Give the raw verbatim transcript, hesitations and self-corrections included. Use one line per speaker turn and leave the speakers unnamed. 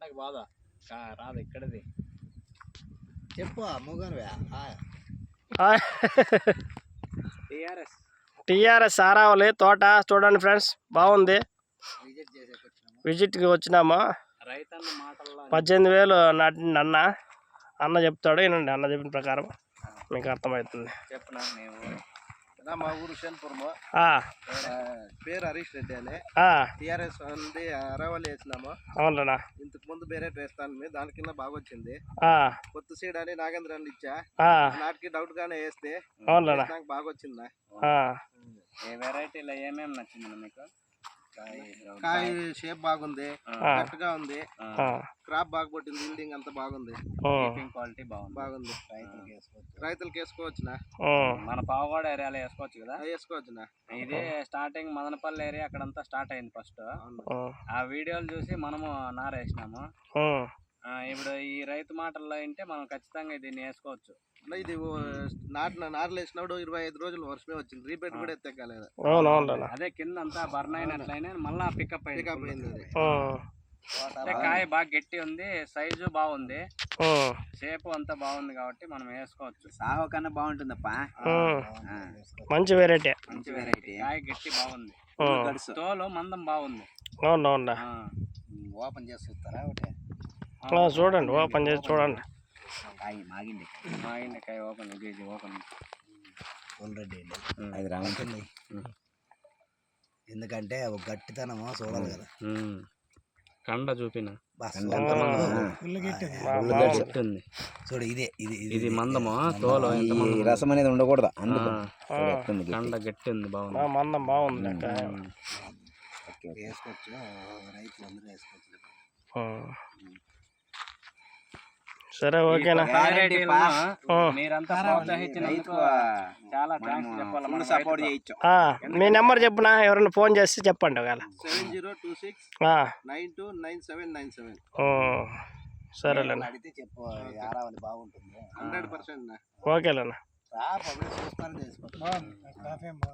నాకు బాధ రాదు ఇక్కడది
చెప్పు మూగన్వే
టిఆర్ఎస్
టిఆర్ఎస్ ఆరావళి తోట చూడండి ఫ్రెండ్స్, బాగుంది. విజిట్కి వచ్చినాము.
రైతన్న మాటల్లో
పద్దెనిమిది వేలు నాటిండి అన్న. అన్న చెప్తాడు, వినండి. అన్న చెప్పిన ప్రకారం మీకు అర్థమవుతుంది.
చెప్పనా నేను
మా ఊరు షన్పురము, పేరు హరీష్ రెడ్డి అని. టిఆర్ఎస్ ఉంది అరవల్లి వేసినాము.
అవునన్నా,
ఇంతకు ముందు వేరే వేస్తాను, దాని కింద బాగా వచ్చింది. కొత్త సీడ్ అని నాగేంద్ర ఇచ్చా, నాటికి డౌట్ గానే వేస్తే నాకు బాగా వచ్చిందా.
ఏ వెరైటీలో ఏమేమి నచ్చింది మీకు?
కాయ షేప్ బాగుంది, గట్టిగా ఉంది, క్రాప్ బాగా పట్టింది, బిల్డింగ్ అంతా బాగుంది,
క్వాలిటీ బాగుంది
బాగుంది రైతులకి వేసుకోవచ్చు. రైతులకి వేసుకోవచ్చునా?
మన పావుగోడ ఏరియాలో వేసుకోవచ్చు కదా?
వేసుకోవచ్చునా.
ఇదే స్టార్టింగ్ మదనపల్లి ఏరియా అక్కడంతా స్టార్ట్ అయింది ఫస్ట్. ఆ వీడియోలు చూసి మనము నారేసినాము. ఇప్పుడు ఈ రైతు మాటల్లో అంటే మనం ఖచ్చితంగా దీన్ని వేసుకోవచ్చు.
ఇది నాటిన నార్లు వేసినప్పుడు ఇరవై ఐదు రోజులు వర్షమే వచ్చింది, రీపేట్ కూడా ఎత్తకాలేదు.
అదే కింద అంతా బర్న్ అయినట్లయినా మళ్ళా పికప్
పికప్ అయింది.
అది కాయ బాగా గట్టి ఉంది, సైజు బాగుంది, షేప్ అంతా బాగుంది కాబట్టి మనం వేసుకోవచ్చు. సాగు కన్నా బాగుంటుందప్ప,
మంచి వెరైటీ.
మంచి వెరైటీ, కాయ గట్టి బాగుంది, తోలు మందం బాగుంది.
ఓపెన్ చేసి చూస్తారా? ఒకటి
చూడండి, ఓపెన్ చేసి చూడండి.
కాయ మాగింది,
మాగింది కాయ ఓపెన్ కేజీ ఓపెన్
ఆల్రెడీ అది రాముతుంది. ఎందుకంటే ఒక గట్టితనము చూడాలి కదా.
కండ చూపిన
చూడు, ఇదే ఇది
ఇది మందము, తోలు
రసం అనేది ఉండకూడదు.
కండ గట్టి ఉంది, బాగుంది,
మందం బాగుంది.
వేసుకోవచ్చు, రైతులు అందరూ వేసుకోవచ్చు.
సరే, ఓకేనా?
మీరంతా ప్రోత్సహించినందుకు చాలా థాంక్స్ చెప్పాలి.
సపోర్ట్ చేయొచ్చు.
మీ నెంబర్ చెప్పునా, ఎవరైనా ఫోన్ చేసి చెప్పండి. ఒకవేళ
seven zero two six nine two nine seven nine seven.
సరేలేనా,
అడిగితే చెప్పు, బాగుంటుంది హండ్రెడ్ పర్సెంట్.
ఓకేలేనా.
చూస్తాను, చేసుకో.